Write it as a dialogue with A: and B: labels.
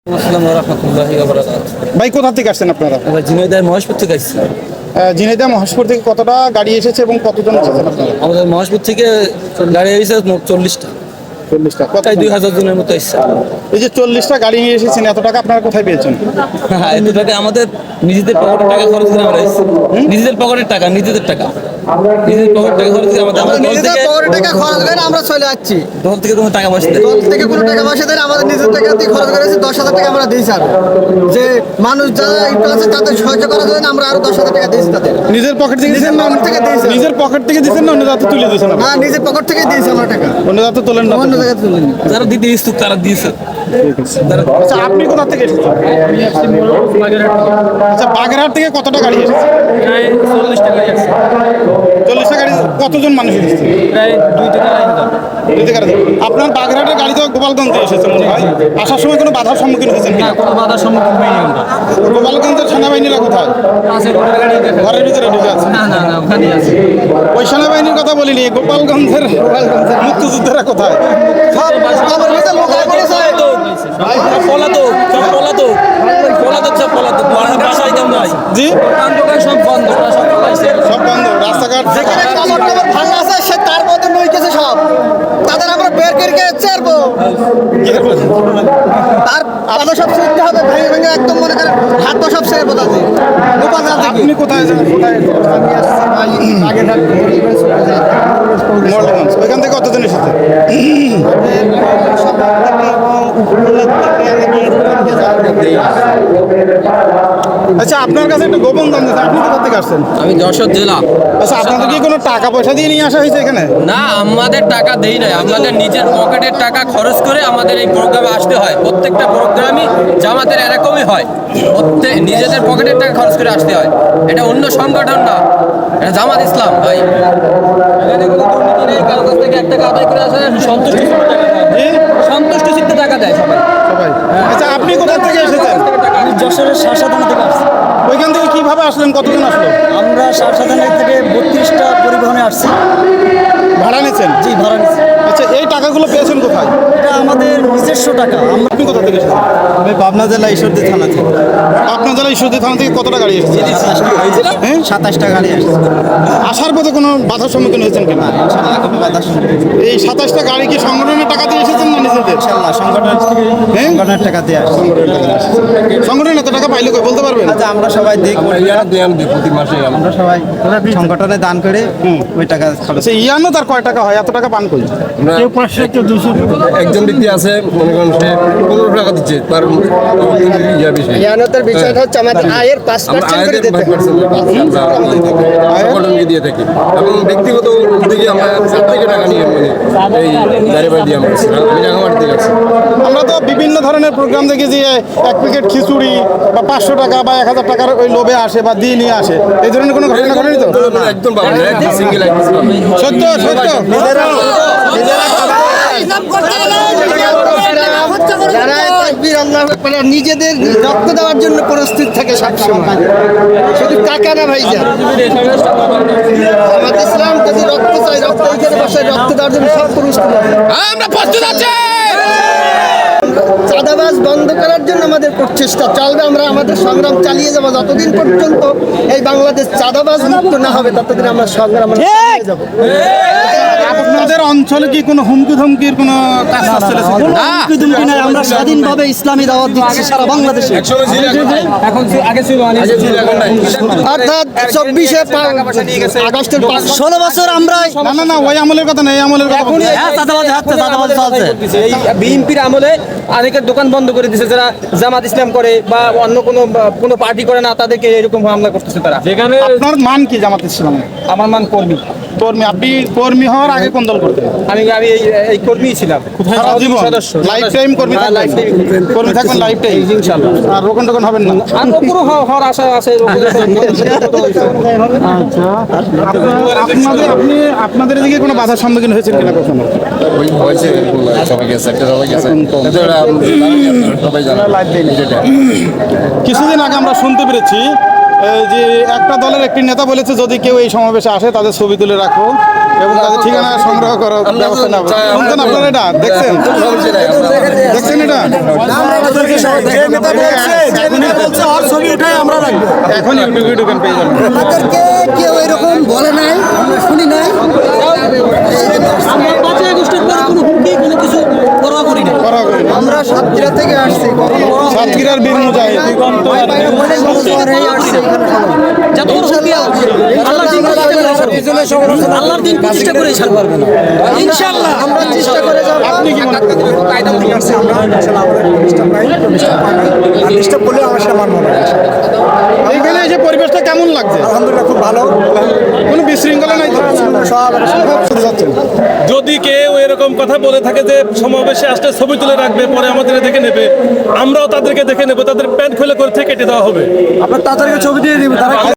A: আসসালামু রাহমাতুল্লাহি ওয়া বারাকাতুহু।
B: ভাই কোথা থেকে আসছেন আপনারা?
A: আমরা ঝিনাইদহ মহেশপুর থেকে আসছি।
B: ঝিনাইদহ মহেশপুর থেকে কতটা গাড়ি এসেছে এবং কতজন এসেছেন আপনারা?
A: আমাদের মহেশপুর থেকে গাড়ি এসেছে মোট 40টা।
B: 40টা।
A: প্রায় 2000 জনের মতো এসেছে।
B: এই যে 40টা গাড়ি নিয়ে এসেছেন, এত টাকা আপনারা কোথায় পেয়েছেন?
A: হ্যাঁ, এত টাকা আমাদের নিজেদের পকেটের টাকা খরচ করে আমরা এসেছি। নিজেদের পকেটের টাকা, নিজেদের টাকা, নিজেদের পকেটের টাকা খরচ করে আমাদের
C: নিজেদের পকেটের টাকা খরচ করে আমরা চলে যাচ্ছি।
A: দল থেকে কোনো টাকা পয়সা দেয়।
C: দল থেকে কোনো টাকা পয়সা দেয় না, আমাদের নিজের টাকা দিয়ে খরচ করেছি। 10,000 টাকা আমরা দিই স্যার, যে মানুষ যারা একটু আছে তাদের সাহায্য করার জন্য আমরা আরো 10,000 টাকা দিয়েছি তাদের।
B: নিজের পকেট থেকে দিয়েছেন না?
C: পকেট থেকে দিয়েছি।
B: নিজের পকেট থেকে দিয়েছেন না অন্য জায়গা থেকে তুলে দিয়েছেন?
C: হ্যাঁ, নিজের পকেট থেকে দিয়েছি আমরা টাকা,
B: অন্য জায়গা থেকে তোলেন না?
C: অন্য জায়গায় তুলে নিই।
A: যারা দিতে ইচ্ছুক তারা দিয়েছে।
B: আচ্ছা, আপনি কোথা থেকে এসেছেন? আচ্ছা, বাগেরহাট থেকে কতটা গাড়ি এসেছে?
A: 40টা গাড়ি আসছে।
B: 40টা গাড়ি। কতজন মানুষ এসেছে?
A: প্রায় 2 থেকে 2.5
B: দুই থেকে আড়াই। আপনার বাগেরহাটের গাড়ি তো গোপালগঞ্জে এসেছে মনে হয়। আসার সময় কোনো বাধার সম্মুখীন হয়েছেন কিনা?
A: কোনো বাধার সম্মুখীন হয়নি আমরা।
B: গোপালগঞ্জের সেনাবাহিনীরা কোথায়? ঘরের ভিতরে ঢুকে আছে।
A: না, ওখানে আছে।
B: ওই সেনাবাহিনীর কথা বলিনি, গোপালগঞ্জের মুক্তিযোদ্ধারা কোথায়?
C: সব আমার ভিতরে লোক করে স্যার।
A: পলাতক, সব পলাতক। আমরা বাসায় কেমন নাই।
B: জি,
A: দোকান সব বন্ধ, ওরা সব পলাইছে।
B: সব বন্ধ। রাস্তাঘাট
C: যেখানে কাপড় টাপড় ভাঙা আছে সে তার মধ্যে নই গেছে সব, তাদের আমরা বের করে ছাড়বো। তার পাতা সব ছিঁড়তে হবে, ভেঙে ভেঙে একদম মনে করেন হাত পা সব ছেড়ে বোঝা যায়। গোপাল থেকে
B: আপনি কোথায় যান? মোল্ডগঞ্জ। ওইখান থেকে কতজন এসেছে? আচ্ছা, আপনার কাছে একটা গোপন দাম দিচ্ছে, আপনি কোথা থেকে আসছেন?
D: আমি যশোর জেলা।
B: আচ্ছা, আপনাদের কি কোনো টাকা পয়সা দিয়ে নিয়ে আসা হয়েছে এখানে?
D: না, আমাদের টাকা দেই নাই, আমাদের নিজের পকেটের টাকা খরচ করে আমাদের এই প্রোগ্রামে আসতে হয়। প্রত্যেকটা প্রোগ্রামই জামাতের এরকমই হয়, নিজেদের পকেটের টাকা খরচ করে আসতে হয়। এটা অন্য সংগঠন না, এটা জামাত ইসলাম ভাই। এখানে কোনো দুর্নীতি নেই, কারো কাছ থেকে 1 টাকা আদায় করে আসে না, সন্তুষ্ট চিত্তে টাকা দেয় সবাই।
B: আচ্ছা, আপনি কোথা থেকে এসেছেন?
E: আমি যশোরের শারসাদানা থেকে আসছি।
B: ওইখান থেকে কিভাবে আসলেন? কতজন আসলো?
E: আমরা শারসাদানা থেকে 32টা পরিবহনে আসছি।
B: ভাড়া নিয়েছেন?
E: জি, ভাড়া নিচ্ছি।
B: আচ্ছা, এই টাকাগুলো পেয়েছেন কোথায়?
E: এটা আমাদের নিজস্ব টাকা।
B: আপনি কোথা থেকে এসেছেন?
E: আমি পাবনা জেলা ঈশ্বরদী থানা থেকে।
B: আপনার জেলা ঈশ্বরদী থানা থেকে কতটা গাড়ি এসেছে? হ্যাঁ,
E: 27টা গাড়ি আসছে।
B: আসার পথে কোনো বাধার সম্মুখীন হয়েছেন কিনা?
E: ইনশাআল্লাহ কোনো বাধা শুনবে।
B: এই 27টা গাড়ি কি সংগঠনের টাকা দিয়ে এসেছেন না নিজেদের?
E: ইনশাআল্লাহ সংগঠনের টাকা দিয়ে আসছে।
B: সংগঠন এত টাকা পাইলে কই বলতে পারবেন?
E: আচ্ছা, আমরা সবাই দিই,
D: প্রতি মাসে
E: আমরা সবাই সংগঠনে দান করে ওই টাকা খরচ।
B: আচ্ছা, ইয়ানো তার কয় টাকা হয়? এত টাকা পান কই?
E: কেউ 500, কেউ 200।
F: একজন ব্যক্তি আছে, মনে করেন সে 15 টাকা দিচ্ছে, তার বিষয়
C: ইয়ানতের বিষয়টা হচ্ছে আমাদের আয়ের 5% করে দিতে হবে।
F: সংগঠনকে দিয়ে থাকি এবং ব্যক্তিগত দিকে আমরা 7 থেকে টাকা নিয়ে এই গাড়ি বাড়ি দিয়ে আমরা আমি রাঙামাটি থেকে আসছি।
B: আমরা তো বিভিন্ন ধরনের প্রোগ্রাম দেখি যে 1 প্যাকেট খিচুড়ি বা 500 টাকা বা 1000 টাকার ওই লোভে আসে বা দিয়ে নিয়ে আসে। এই ধরনের কোনো ঘটনা ঘটেনি তো?
F: একদম পাবেন না, একদম সিঙ্গেল একদম পাবেন।
B: সত্য সত্য।
C: যারা তাকবীর আল্লাহু আকবার নিজেদের রক্ত দেওয়ার জন্য প্রস্তুত থাকে সবসময়, শুধু টাকা না ভাইজান। আমাদের ইসলাম যদি রক্ত চাই, রক্ত এখানে বসে রক্ত দেওয়ার জন্য সব প্রস্তুত আছে।
D: আমরা প্রস্তুত আছি।
C: চাঁদাবাজ বন্ধ করার জন্য আমাদের প্রচেষ্টা চলবে। আমরা আমাদের সংগ্রাম চালিয়ে যাবো যতদিন পর্যন্ত এই বাংলাদেশ চাঁদাবাজ মুক্ত না হবে, ততদিন আমরা সংগ্রাম চালিয়ে যাবো।
B: আপনাদের অঞ্চলে কি কোনো হুমকি ধমকির কোনো কাজ চলেছে?
E: হুমকি নাই, আমরা স্বাধীনভাবে ইসলামী দাওয়াত দিচ্ছি সারা বাংলাদেশে।
A: এখন আগে ছিল
C: অর্থাৎ 24শে আগস্টের
E: 16 বছর আমরা
B: না না না, ওই আমলের কথা নেই, এই আমলের কথা বলছি।
E: চাঁদাবাজ চলছে।
A: এই বিএনপির আমলে অনেকের দোকান বন্ধ করে দিয়েছে, যারা জামাত ইসলাম করে বা অন্য কোনো পার্টি করে না, তাদেরকে এরকম হামলা করতেছে তারা। যেখানে
B: আপনার মান কি জামাত ইসলামে?
A: আমার মান কর্মী।
B: কর্মী? আপনি কর্মী হওয়ার আগে কোন দল করতেন?
A: আমি এই কর্মীই ছিলাম।
B: সারা জীবন
A: সদস্য,
B: লাইফ টাইম কর্মী
A: হ্যাঁ,
B: থাকবেন?
A: life time
B: কর্মী থাকবেন লাইফ টাইম
A: ইনশাআল্লাহ।
B: আর রোকন টোকন হবেন না?
A: আর পুরো হওয়ার আশা আছে।
B: আপনাদের এদিকে কোনো বাধার সম্মুখীন হয়েছেন কিনা কখনো?
F: ওই হয়েছে সবাই গেছে, একটা সবাই গেছে, সবাই জানে।
B: কিছুদিন আগে আমরা শুনতে পেরেছি এই যে একটা দলের একটি নেতা বলেছে যদি কেউ এই সমাবেশে আসে তাদের ছবি তুলে রাখো এবং তাদের ঠিকানা সংগ্রহ করার ব্যবস্থা নেবো। শুনছেন আপনারা এটা? দেখছেন দেখছেন এটা? এখন ইউটিউবে ঢুকেন পেয়ে যাবেন।
E: আমাদেরকে কেউ এরকম বলে নাই, আমরা শুনি নাই। আমরা পাঁচ আগস্টের পরে কোনো হুমকি কোনো কিছু পরোয়া করি না।
B: করা করি না।
C: আমরা সাতক্ষীরা থেকে আসছি
B: সাতক্ষীরার বীর মুজাহিদ
E: যত বড় হুমকি আসবে, আল্লাহর দিন প্রতিষ্ঠা করে ছাড়বো। ইনশাআল্লাহ
C: আমরা চেষ্টা করে যাবো।
B: আপনি কি মনে করেন? এইখানে এসে পরিবেশটা কেমন লাগছে?
G: আলহামদুলিল্লাহ খুব ভালো।
B: কোনো বিশৃঙ্খলা নাই তো?
G: সব
H: যদি কেউ এরকম কথা বলে থাকে যে সমাবেশে আসলে ছবি তুলে রাখবে পরে আমাদের দেখে নেবে, আমরাও তাদেরকে দেখে নেব, তাদের প্যান্ট খুলে করে থেকে কেটে দেওয়া হবে।
G: আপনার তাড়াতাড়ি ছবি দিয়ে দিব তারা